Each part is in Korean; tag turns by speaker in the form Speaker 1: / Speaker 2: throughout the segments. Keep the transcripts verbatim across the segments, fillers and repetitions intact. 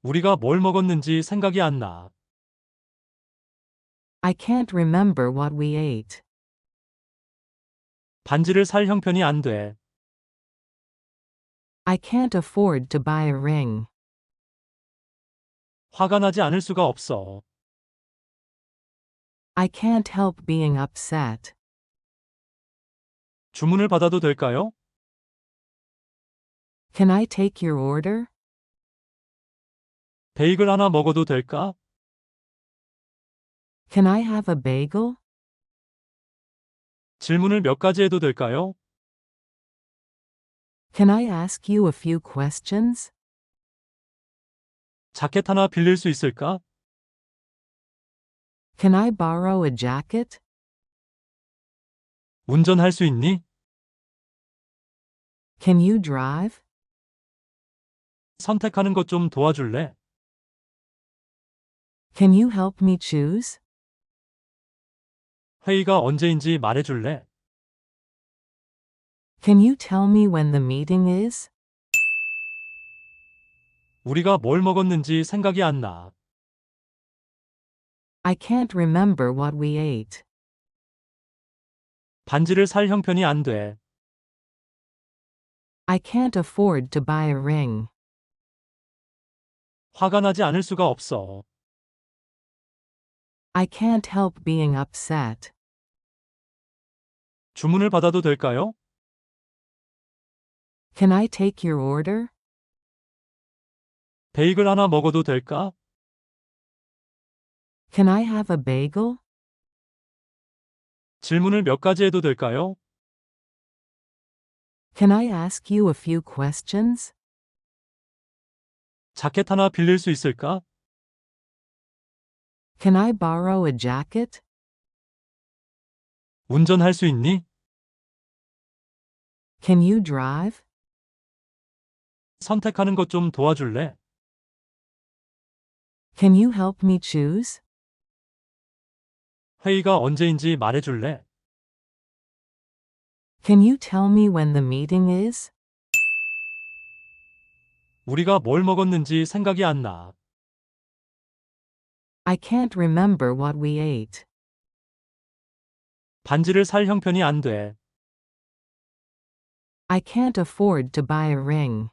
Speaker 1: 우리가 뭘 먹었는지 생각이 안 나.
Speaker 2: I can't remember what we ate.
Speaker 1: 반지를 살 형편이 안 돼.
Speaker 2: I can't afford to buy a ring.
Speaker 1: 화가 나지 않을 수가 없어.
Speaker 2: I can't help being upset.
Speaker 1: 주문을 받아도 될까요?
Speaker 2: Can I take your order?
Speaker 1: 베이글 하나 먹어도 될까?
Speaker 2: Can I have a bagel?
Speaker 1: 질문을 몇 가지 해도 될까요?
Speaker 2: Can I ask you a few questions?
Speaker 1: 자켓 하나 빌릴 수 있을까?
Speaker 2: Can I borrow a jacket?
Speaker 1: 운전할 수 있니?
Speaker 2: Can you drive?
Speaker 1: 선택하는 것 좀 도와줄래?
Speaker 2: Can you help me choose?
Speaker 1: 회의가 언제인지 말해줄래?
Speaker 2: Can you tell me when the meeting is?
Speaker 1: 우리가 뭘 먹었는지 생각이 안 나.
Speaker 2: I can't remember what we ate.
Speaker 1: 반지를 살 형편이 안 돼.
Speaker 2: I can't afford to buy a ring.
Speaker 1: 화가 나지 않을 수가 없어.
Speaker 2: I can't help being upset.
Speaker 1: 주문을 받아도 될까요?
Speaker 2: Can I take your order?
Speaker 1: 베이글 하나 먹어도 될까?
Speaker 2: Can I have a bagel?
Speaker 1: 질문을 몇 가지 해도 될까요?
Speaker 2: Can I ask you a few questions?
Speaker 1: 자켓 하나 빌릴 수 있을까?
Speaker 2: Can I borrow a jacket?
Speaker 1: 운전할 수 있니?
Speaker 2: Can you drive?
Speaker 1: 선택하는 것 좀 도와줄래?
Speaker 2: Can you help me choose?
Speaker 1: 회의가 언제인지 말해줄래?
Speaker 2: Can you tell me when the meeting is?
Speaker 1: 우리가 뭘 먹었는지 생각이 안 나.
Speaker 2: I can't remember what we ate.
Speaker 1: 반지를 살 형편이 안 돼.
Speaker 2: I can't afford to buy a ring.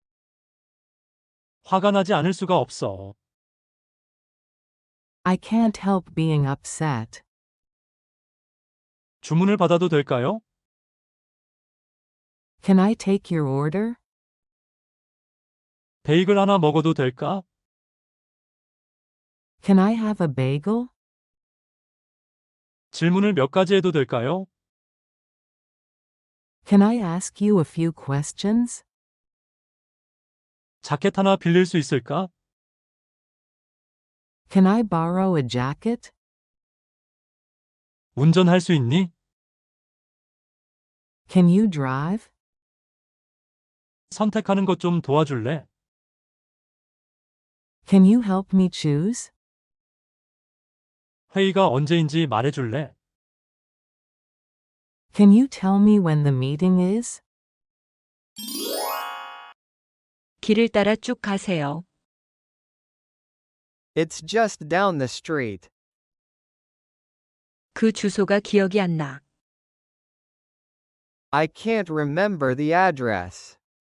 Speaker 1: 화가 나지 않을 수가 없어.
Speaker 2: I can't help being upset.
Speaker 1: 주문을 받아도 될까요?
Speaker 2: Can I take your order?
Speaker 1: 베이글 하나 먹어도 될까?
Speaker 2: Can I have a bagel?
Speaker 1: 질문을 몇 가지 해도 될까요?
Speaker 2: Can I ask you a few questions?
Speaker 1: 자켓 하나 빌릴 수 있을까?
Speaker 2: Can I borrow a jacket?
Speaker 1: 운전할 수 있니?
Speaker 2: Can you drive?
Speaker 1: 선택하는 것 좀 도와줄래?
Speaker 2: Can you help me choose?
Speaker 1: 회의가 언제인지 말해줄래?
Speaker 2: Can you tell me when the meeting is?
Speaker 3: 길을 따라 쭉 가세요.
Speaker 4: It's just down the street.
Speaker 3: 그 주소가 기억이 안 나.
Speaker 4: I can't remember the address.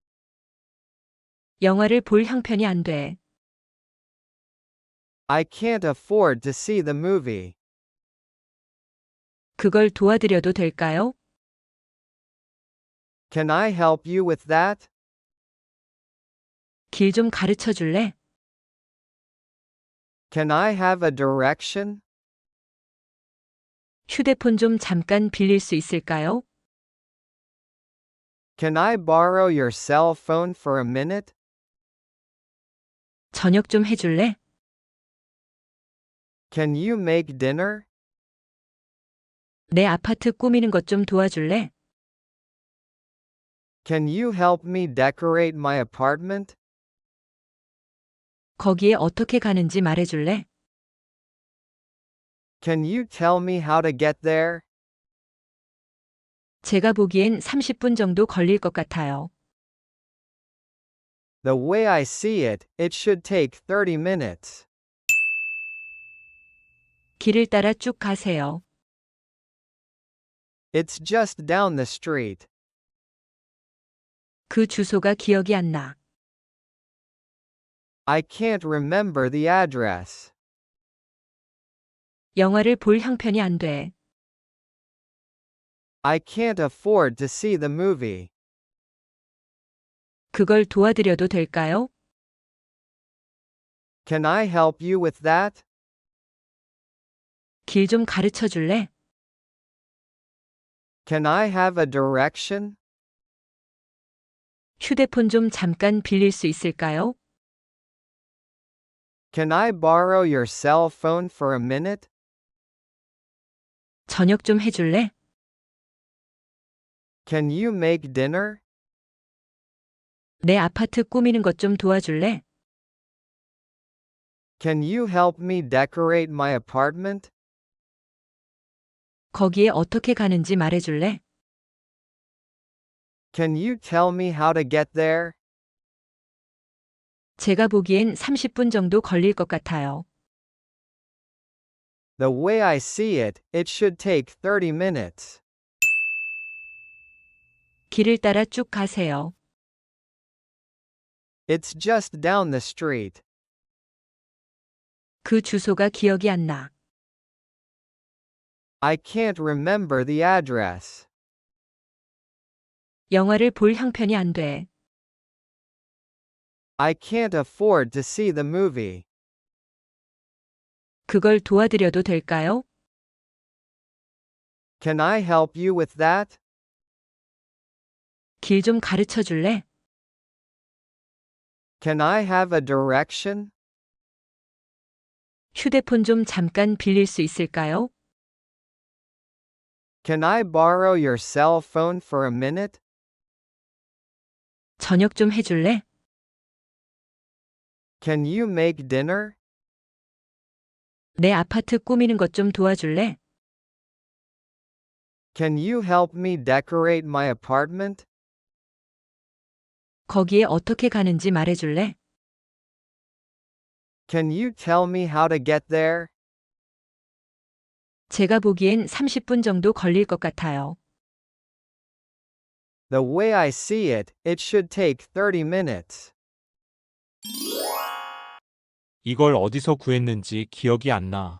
Speaker 3: 영화를 볼 형편이 안 돼.
Speaker 4: I can't afford to see the movie.
Speaker 3: 그걸 도와드려도 될까요?
Speaker 4: Can I help you with that?
Speaker 3: 길 좀 가르쳐 줄래?
Speaker 4: Can I have a direction?
Speaker 3: 휴대폰 좀 잠깐 빌릴 수 있을까요?
Speaker 4: Can I borrow your cell phone for a minute?
Speaker 3: 저녁 좀 해줄래?
Speaker 4: Can you make dinner?
Speaker 3: 내 아파트 꾸미는 것 좀 도와줄래?
Speaker 4: Can you help me decorate my apartment?
Speaker 3: 거기에 어떻게 가는지 말해줄래?
Speaker 4: Can you tell me how to get there?
Speaker 3: 제가 보기엔 삼십 분 정도 걸릴 것 같아요.
Speaker 4: The way I see it, it should take thirty minutes.
Speaker 3: 길을 따라 쭉 가세요.
Speaker 4: It's just down the street.
Speaker 3: 그 주소가 기억이 안 나.
Speaker 4: I can't remember the address.
Speaker 3: 영화를 볼 형편이 안 돼.
Speaker 4: I can't afford to see the movie.
Speaker 3: 그걸 도와드려도 될까요?
Speaker 4: Can I help you with that?
Speaker 3: 길 좀 가르쳐 줄래?
Speaker 4: Can I have a direction?
Speaker 3: 휴대폰 좀 잠깐 빌릴 수 있을까요?
Speaker 4: Can I borrow your cell phone for a minute?
Speaker 3: 저녁 좀 해줄래?
Speaker 4: Can you make dinner?
Speaker 3: 내 아파트 꾸미는 것 좀 도와줄래?
Speaker 4: Can you help me decorate my apartment?
Speaker 3: 거기에 어떻게 가는지 말해줄래?
Speaker 4: Can you tell me how to get there?
Speaker 3: 제가 보기엔 삼십 분 정도 걸릴 것 같아요.
Speaker 4: The way I see it, it should take thirty minutes.
Speaker 3: 길을 따라 쭉 가세요.
Speaker 4: It's just down the street.
Speaker 3: 그 주소가 기억이 안 나.
Speaker 4: I can't remember the address.
Speaker 3: 영화를 볼 형편이 안 돼.
Speaker 4: I can't afford to see the movie.
Speaker 3: 그걸 도와드려도 될까요?
Speaker 4: Can I help you with that?
Speaker 3: 길 좀 가르쳐 줄래?
Speaker 4: Can I have a direction?
Speaker 3: 휴대폰 좀 잠깐 빌릴 수 있을까요?
Speaker 4: Can I borrow your cell phone for a minute?
Speaker 3: 저녁 좀 해줄래?
Speaker 4: Can you make dinner?
Speaker 3: 내 아파트 꾸미는 것 좀 도와줄래?
Speaker 4: Can you help me decorate my apartment?
Speaker 3: 거기에 어떻게 가는지 말해줄래?
Speaker 4: Can you tell me how to get there?
Speaker 3: 제가 보기엔 삼십 분 정도 걸릴 것 같아요.
Speaker 4: The way I see it, it should take thirty minutes.
Speaker 1: 이걸 어디서 구했는지 기억이 안 나.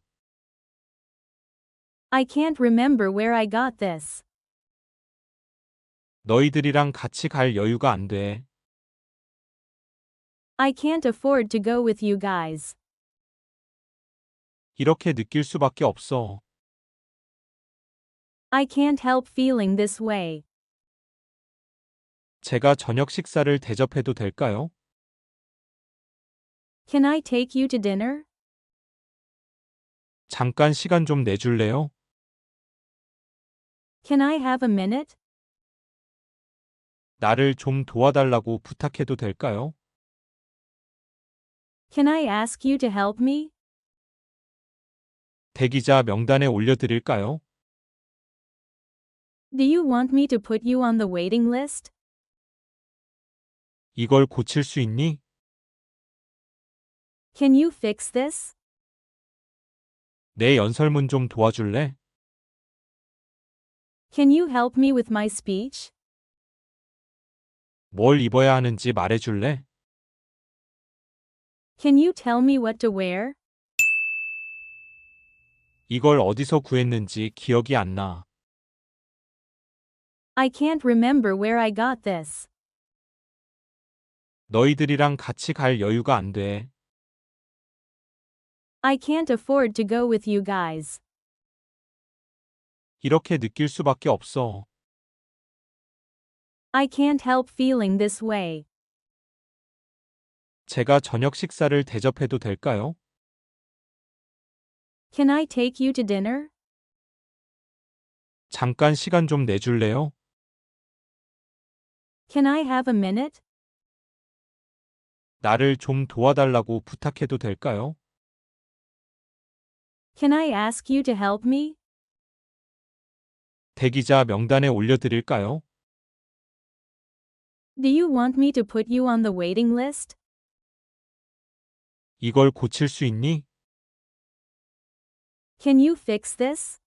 Speaker 5: I can't remember where I got this.
Speaker 1: 너희들이랑 같이 갈 여유가 안 돼.
Speaker 5: I can't afford to go with you guys.
Speaker 1: 이렇게 느낄 수밖에 없어.
Speaker 5: I can't help feeling this way.
Speaker 1: 제가 저녁 식사를 대접해도 될까요?
Speaker 5: Can I take you to dinner?
Speaker 1: 잠깐 시간 좀 내줄래요?
Speaker 5: Can I have a minute?
Speaker 1: 나를 좀 도와달라고 부탁해도 될까요?
Speaker 5: Can I ask you to help me?
Speaker 1: 대기자 명단에 올려드릴까요?
Speaker 5: Do you want me to put you on the waiting list?
Speaker 1: 이걸 고칠 수 있니?
Speaker 5: Can you fix this?
Speaker 1: 내 연설문 좀 도와줄래?
Speaker 5: Can you help me with my speech?
Speaker 1: 뭘 입어야 하는지 말해줄래?
Speaker 5: Can you tell me what to wear?
Speaker 1: 이걸 어디서 구했는지 기억이 안 나.
Speaker 5: I can't remember where I got this.
Speaker 1: 너희들이랑 같이 갈 여유가 안 돼.
Speaker 5: I can't afford to go with you guys.
Speaker 1: 이렇게 느낄 수밖에 없어.
Speaker 5: I can't help feeling this way.
Speaker 1: 제가 저녁 식사를 대접해도 될까요?
Speaker 5: Can I take you to dinner?
Speaker 1: 잠깐 시간 좀 내줄래요?
Speaker 5: Can I have a minute?
Speaker 1: 나를 좀 도와달라고 부탁해도 될까요?
Speaker 5: Can I ask you to help me?
Speaker 1: 대기자 명단에 올려드릴까요?
Speaker 5: Do you want me to put you on the waiting list?
Speaker 1: 이걸 고칠 수 있니?
Speaker 5: Can you fix this?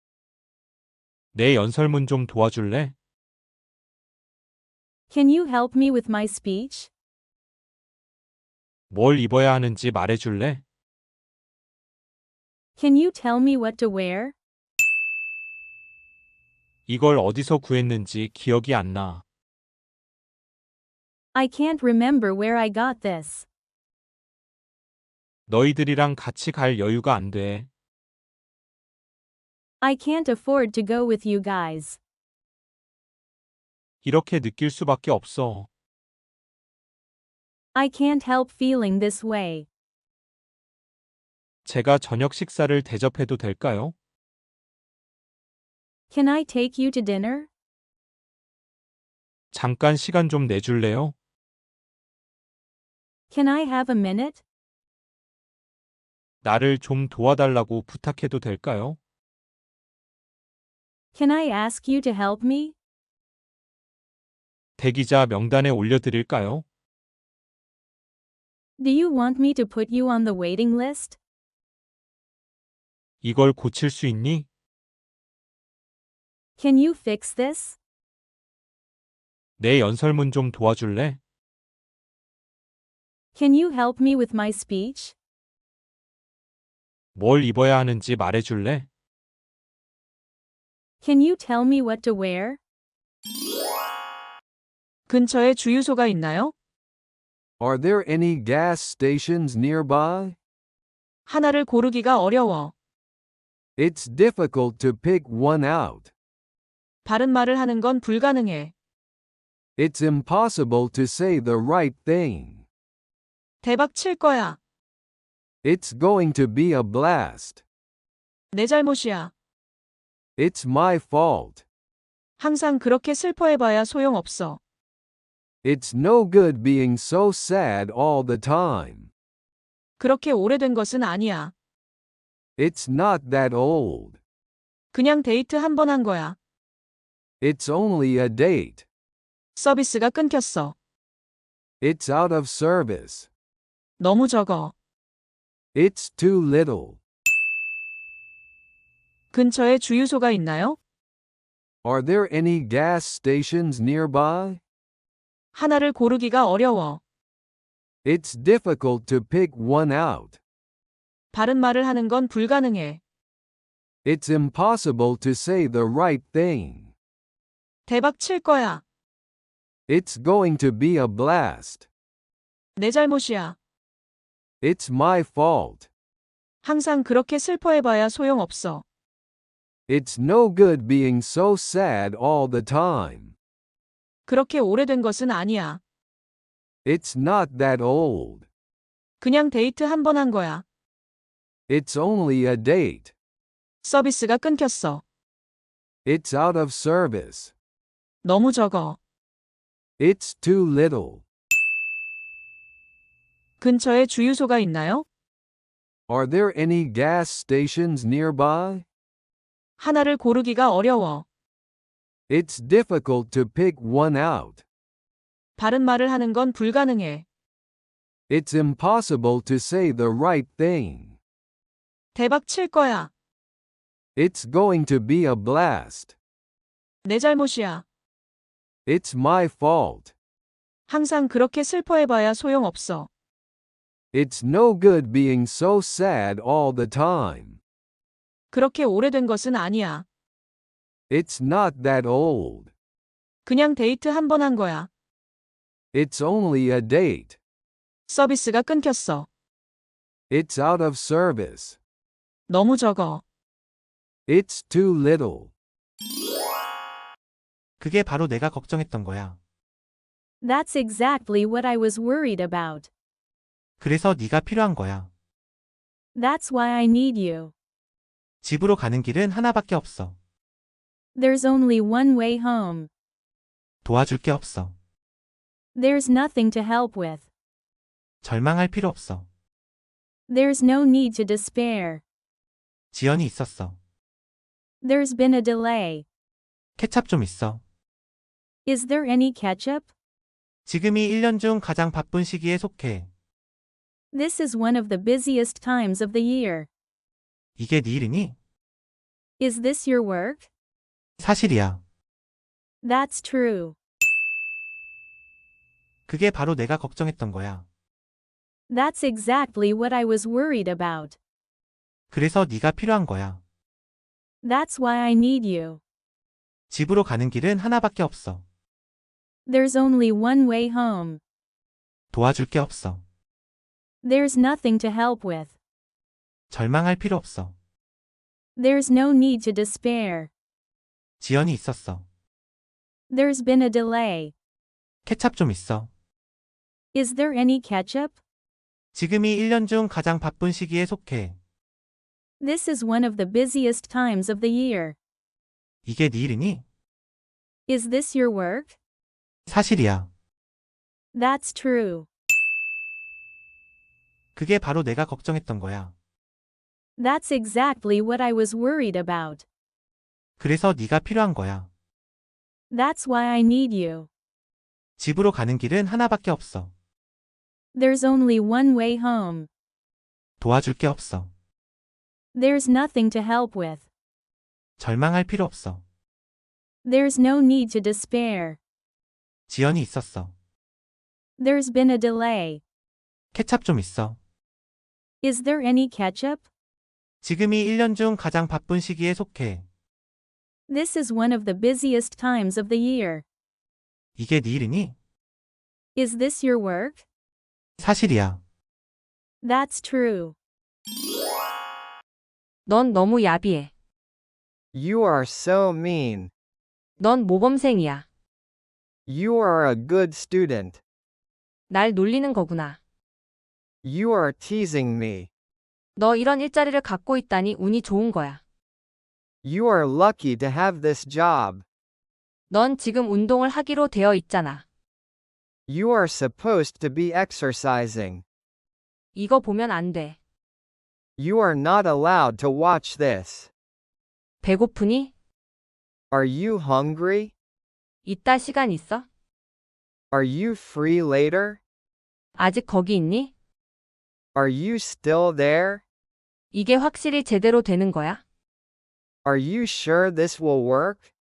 Speaker 1: 내 연설문 좀 도와줄래?
Speaker 5: Can you help me with my speech?
Speaker 1: 뭘 입어야 하는지 말해줄래?
Speaker 5: Can you tell me what to wear?
Speaker 1: 이걸 어디서 구했는지 기억이 안 나.
Speaker 5: I can't remember where I got this.
Speaker 1: 너희들이랑 같이 갈 여유가 안 돼.
Speaker 5: I can't afford to go with you guys.
Speaker 1: 이렇게 느낄 수밖에 없어.
Speaker 5: I can't help feeling this way.
Speaker 1: 제가 저녁 식사를 대접해도 될까요?
Speaker 5: Can I take you to dinner?
Speaker 1: 잠깐 시간 좀 내줄래요?
Speaker 5: Can I have a minute?
Speaker 1: 나를 좀 도와달라고 부탁해도 될까요?
Speaker 5: Can I ask you to help me?
Speaker 1: 대기자 명단에 올려드릴까요?
Speaker 5: Do you want me to put you on the waiting list?
Speaker 1: 이걸 고칠 수 있니?
Speaker 5: Can you fix this?
Speaker 1: 내 연설문 좀 도와줄래?
Speaker 5: Can you help me with my speech?
Speaker 1: 뭘 입어야 하는지 말해줄래?
Speaker 5: Can you tell me what to wear?
Speaker 3: 근처에 주유소가 있나요?
Speaker 6: Are there any gas stations nearby?
Speaker 3: 하나를 고르기가 어려워.
Speaker 6: It's difficult to pick one out.
Speaker 3: 바른 말을 하는 건 불가능해.
Speaker 6: It's impossible to say the right thing.
Speaker 3: 대박 칠 거야.
Speaker 6: It's going to be a blast.
Speaker 3: 내 잘못이야.
Speaker 6: It's my fault.
Speaker 3: 항상 그렇게 슬퍼해봐야 소용없어.
Speaker 6: It's no good being so sad all the time.
Speaker 3: 그렇게 오래된 것은 아니야.
Speaker 6: It's not that old.
Speaker 3: 그냥 데이트 한 번 한 거야.
Speaker 6: It's only a date.
Speaker 3: 서비스가 끊겼어.
Speaker 6: It's out of service.
Speaker 3: 너무 적어.
Speaker 6: It's too little.
Speaker 3: 근처에 주유소가 있나요?
Speaker 6: Are there any gas stations nearby?
Speaker 3: 하나를 고르기가 어려워.
Speaker 6: It's difficult to pick one out.
Speaker 3: 바른 말을 하는 건 불가능해.
Speaker 6: It's impossible to say the right thing.
Speaker 3: 대박 칠 거야.
Speaker 6: It's going to be a blast.
Speaker 3: 내 잘못이야.
Speaker 6: It's my fault.
Speaker 3: 항상 그렇게 슬퍼해봐야 소용없어.
Speaker 6: It's no good being so sad all the time.
Speaker 3: 그렇게 오래된 것은 아니야.
Speaker 6: It's not that old.
Speaker 3: 그냥 데이트 한 번 한 거야.
Speaker 6: It's only a date.
Speaker 3: 서비스가 끊겼어.
Speaker 6: It's out of service.
Speaker 3: 너무 적어.
Speaker 6: It's too little.
Speaker 3: 근처에 주유소가 있나요?
Speaker 6: Are there any gas stations nearby?
Speaker 3: 하나를 고르기가 어려워.
Speaker 6: It's difficult to pick one out.
Speaker 3: 바른 말을 하는 건 불가능해.
Speaker 6: It's impossible to say the right thing.
Speaker 3: 대박 칠 거야.
Speaker 6: It's going to be a blast.
Speaker 3: 내 잘못이야.
Speaker 6: It's my fault.
Speaker 3: 항상 그렇게 슬퍼해봐야 소용없어.
Speaker 6: It's no good being so sad all the time.
Speaker 3: 그렇게 오래된 것은 아니야.
Speaker 6: It's not that old.
Speaker 3: 그냥 데이트 한 번 한 거야.
Speaker 6: It's only a date.
Speaker 3: 서비스가 끊겼어.
Speaker 6: It's out of service.
Speaker 3: 너무 적어.
Speaker 6: It's too little.
Speaker 7: 그게 바로 내가 걱정했던 거야.
Speaker 5: That's exactly what I was worried about.
Speaker 7: 그래서 네가 필요한 거야.
Speaker 5: That's why I need you.
Speaker 7: 집으로 가는 길은 하나밖에 없어.
Speaker 5: There's only one way home.
Speaker 7: 도와줄 게 없어.
Speaker 5: There's nothing to help with.
Speaker 7: 절망할 필요 없어.
Speaker 5: There's no need to despair.
Speaker 7: 지연이 있었어.
Speaker 5: There's been a delay.
Speaker 7: 케찹 좀 있어.
Speaker 5: Is there any ketchup?
Speaker 7: 지금이 일 년 중 가장 바쁜 시기에 속해.
Speaker 5: This is one of the busiest times of the year.
Speaker 7: 이게 네 일이니?
Speaker 5: Is this your work?
Speaker 7: 사실이야.
Speaker 5: That's true.
Speaker 7: 그게 바로 내가 걱정했던 거야.
Speaker 5: That's exactly what I was worried about.
Speaker 7: 그래서 네가 필요한 거야.
Speaker 5: That's why I need you.
Speaker 7: 집으로 가는 길은 하나밖에 없어.
Speaker 5: There's only one way home.
Speaker 7: 도와줄 게 없어.
Speaker 5: There's nothing to help with.
Speaker 7: 절망할 필요 없어.
Speaker 5: There's no need to despair.
Speaker 7: 지연이 있었어.
Speaker 5: There's been a delay.
Speaker 7: 케찹 좀 있어.
Speaker 5: Is there any ketchup?
Speaker 7: 지금이 일 년 중 가장 바쁜 시기에 속해.
Speaker 5: This is one of the busiest times of the year.
Speaker 7: 이게 네 일이니?
Speaker 5: Is this your work?
Speaker 7: 사실이야.
Speaker 5: That's true.
Speaker 7: 그게 바로 내가 걱정했던 거야.
Speaker 5: That's exactly what I was worried about.
Speaker 7: 그래서 네가 필요한 거야.
Speaker 5: That's why I need you.
Speaker 7: 집으로 가는 길은 하나밖에 없어.
Speaker 5: There's only one way home.
Speaker 7: 도와줄 게 없어.
Speaker 5: There's nothing to help with.
Speaker 7: 절망할 필요 없어.
Speaker 5: There's no need to despair.
Speaker 7: 지연이 있었어.
Speaker 5: There's been a delay.
Speaker 7: 케찹 좀 있어.
Speaker 5: Is there any ketchup?
Speaker 7: 지금이 일 년 중 가장 바쁜 시기에 속해.
Speaker 5: This is one of the busiest times of the year.
Speaker 7: 이게 네 일이니?
Speaker 5: Is this your work?
Speaker 7: 사실이야.
Speaker 5: That's true.
Speaker 3: 넌 너무 야비해.
Speaker 4: You are so mean.
Speaker 3: 넌 모범생이야.
Speaker 4: You are a good student.
Speaker 3: 날 놀리는 거구나.
Speaker 4: You are teasing me.
Speaker 3: 너 이런 일자리를 갖고 있다니 운이 좋은 거야.
Speaker 4: You are lucky to have this job.
Speaker 3: 넌 지금 운동을 하기로 되어 있잖아.
Speaker 4: You are supposed to be exercising.
Speaker 3: 이거 보면 안 돼.
Speaker 4: You are not allowed to watch this.
Speaker 3: 배고프니?
Speaker 4: Are you hungry?
Speaker 3: 이따 시간 있어?
Speaker 4: Are you free later?
Speaker 3: 아직 거기 있니?
Speaker 4: Are you still there?
Speaker 3: 이게 확실히 제대로 되는 거야?
Speaker 4: Are you sure this will work?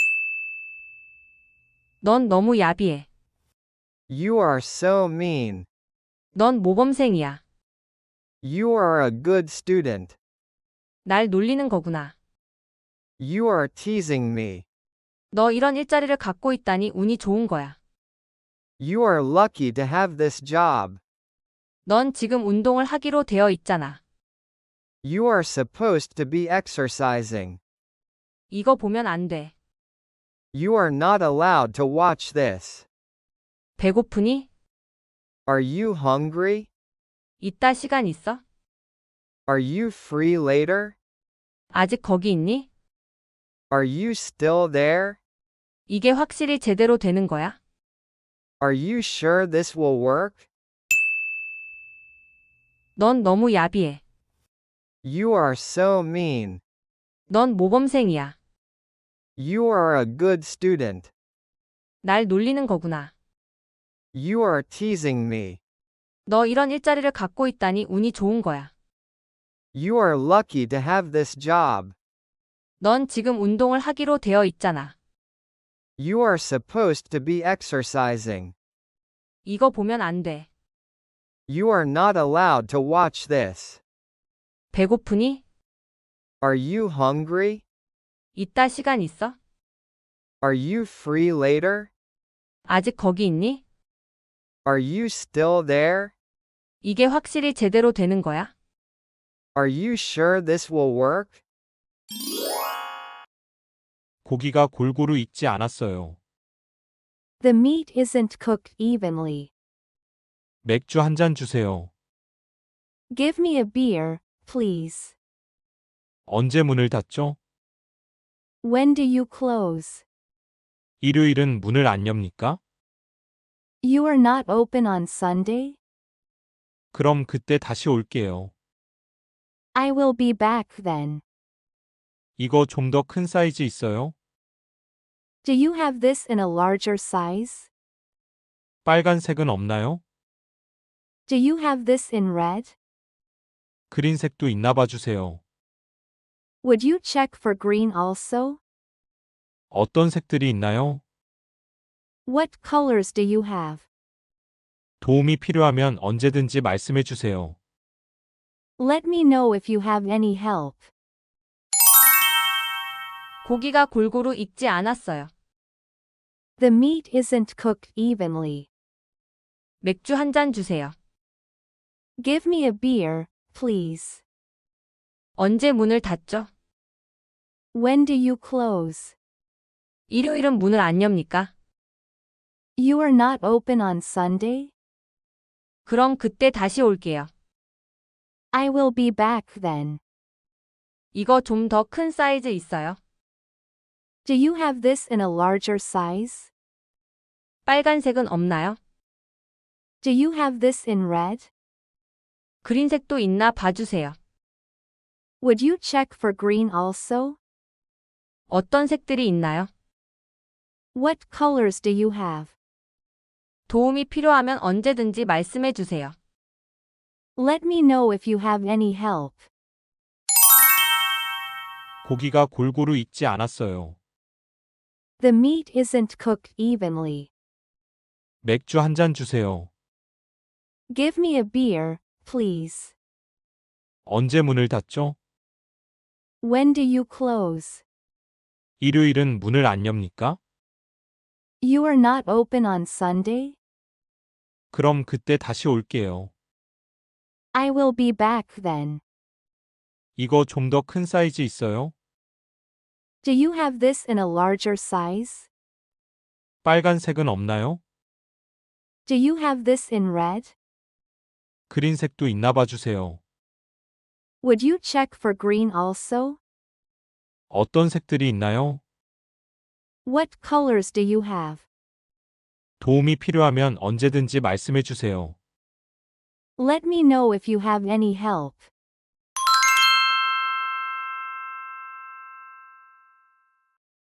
Speaker 3: 넌 너무 야비해.
Speaker 4: You are so mean.
Speaker 3: 넌 모범생이야.
Speaker 4: You are a good student.
Speaker 3: 날 놀리는 거구나.
Speaker 4: You are teasing me.
Speaker 3: 너 이런 일자리를 갖고 있다니 운이 좋은 거야.
Speaker 4: You are lucky to have this job.
Speaker 3: 넌 지금 운동을 하기로 되어 있잖아.
Speaker 4: You are supposed to be exercising.
Speaker 3: 이거 보면 안 돼.
Speaker 4: You are not allowed to watch this.
Speaker 3: 배고프니?
Speaker 4: Are you hungry?
Speaker 3: 이따 시간 있어?
Speaker 4: Are you free later?
Speaker 3: 아직 거기 있니?
Speaker 4: Are you still there?
Speaker 3: 이게 확실히 제대로 되는 거야?
Speaker 4: Are you sure this will work?
Speaker 3: 넌 너무 야비해.
Speaker 4: You are so mean.
Speaker 3: 넌 모범생이야.
Speaker 4: You are a good student.
Speaker 3: 날 놀리는 거구나.
Speaker 4: You are teasing me.
Speaker 3: 너 이런 일자리를 갖고 있다니 운이 좋은 거야.
Speaker 4: You are lucky to have this job.
Speaker 3: 넌 지금 운동을 하기로 되어 있잖아.
Speaker 4: You are supposed to be exercising.
Speaker 3: 이거 보면 안 돼.
Speaker 4: You are not allowed to watch this.
Speaker 3: 배고프니?
Speaker 4: Are you hungry?
Speaker 3: 이따 시간 있어?
Speaker 4: Are you free later?
Speaker 3: 아직 거기 있니?
Speaker 4: Are you still there?
Speaker 3: 이게 확실히 제대로 되는 거야?
Speaker 4: Are you sure this will work?
Speaker 1: 고기가 골고루 익지 않았어요.
Speaker 5: The meat isn't cooked evenly.
Speaker 1: 맥주 한 잔 주세요.
Speaker 5: Give me a beer, please.
Speaker 1: 언제 문을 닫죠?
Speaker 5: When do you close?
Speaker 1: 일요일은 문을 안 엽니까?
Speaker 5: You are not open on Sunday?
Speaker 1: 그럼 그때 다시 올게요.
Speaker 5: I will be back then.
Speaker 1: 이거 좀 더 큰 사이즈 있어요?
Speaker 5: Do you have this in a larger size?
Speaker 1: 빨간색은 없나요?
Speaker 5: Do you have this in red?
Speaker 1: 그린색도 있나 봐주세요.
Speaker 5: Would you check for green also?
Speaker 1: 어떤 색들이 있나요?
Speaker 5: What colors do you have?
Speaker 1: 도움이 필요하면 언제든지 말씀해 주세요.
Speaker 5: Let me know if you have any help.
Speaker 3: 고기가 골고루 익지 않았어요.
Speaker 5: The meat isn't cooked evenly.
Speaker 3: 맥주 한 잔 주세요.
Speaker 5: Give me a beer, please.
Speaker 3: 언제 문을 닫죠?
Speaker 5: When do you close?
Speaker 3: 일요일은 문을 안 엽니까?
Speaker 5: You are not open on Sunday?
Speaker 3: 그럼 그때 다시 올게요.
Speaker 5: I will be back then.
Speaker 3: 이거 좀 더 큰 사이즈 있어요?
Speaker 5: Do you have this in a larger size?
Speaker 3: 빨간색은 없나요?
Speaker 5: Do you have this in red?
Speaker 3: 그린색도 있나 봐주세요.
Speaker 5: Would you check for green also?
Speaker 3: 어떤 색들이 있나요?
Speaker 5: What colors do you have?
Speaker 3: 도움이 필요하면 언제든지 말씀해 주세요.
Speaker 5: Let me know if you have any help.
Speaker 1: 고기가 골고루 익지 않았어요.
Speaker 5: The meat isn't cooked evenly.
Speaker 1: 맥주 한 잔 주세요.
Speaker 5: Give me a beer, please.
Speaker 1: 언제 문을 닫죠?
Speaker 5: When do you close?
Speaker 1: 일요일은 문을 안 엽니까?
Speaker 5: You are not open on Sunday?
Speaker 1: 그럼 그때 다시 올게요.
Speaker 5: I will be back then.
Speaker 1: 이거 좀 더 큰 사이즈 있어요?
Speaker 5: Do you have this in a larger size?
Speaker 1: 빨간색은 없나요?
Speaker 5: Do you have this in red?
Speaker 1: 그린색도 있나 봐주세요.
Speaker 5: Would you check for green also?
Speaker 1: 어떤 색들이 있나요?
Speaker 5: What colors do you have?
Speaker 1: 도움이 필요하면 언제든지 말씀해 주세요.
Speaker 5: Let me know if you have any help.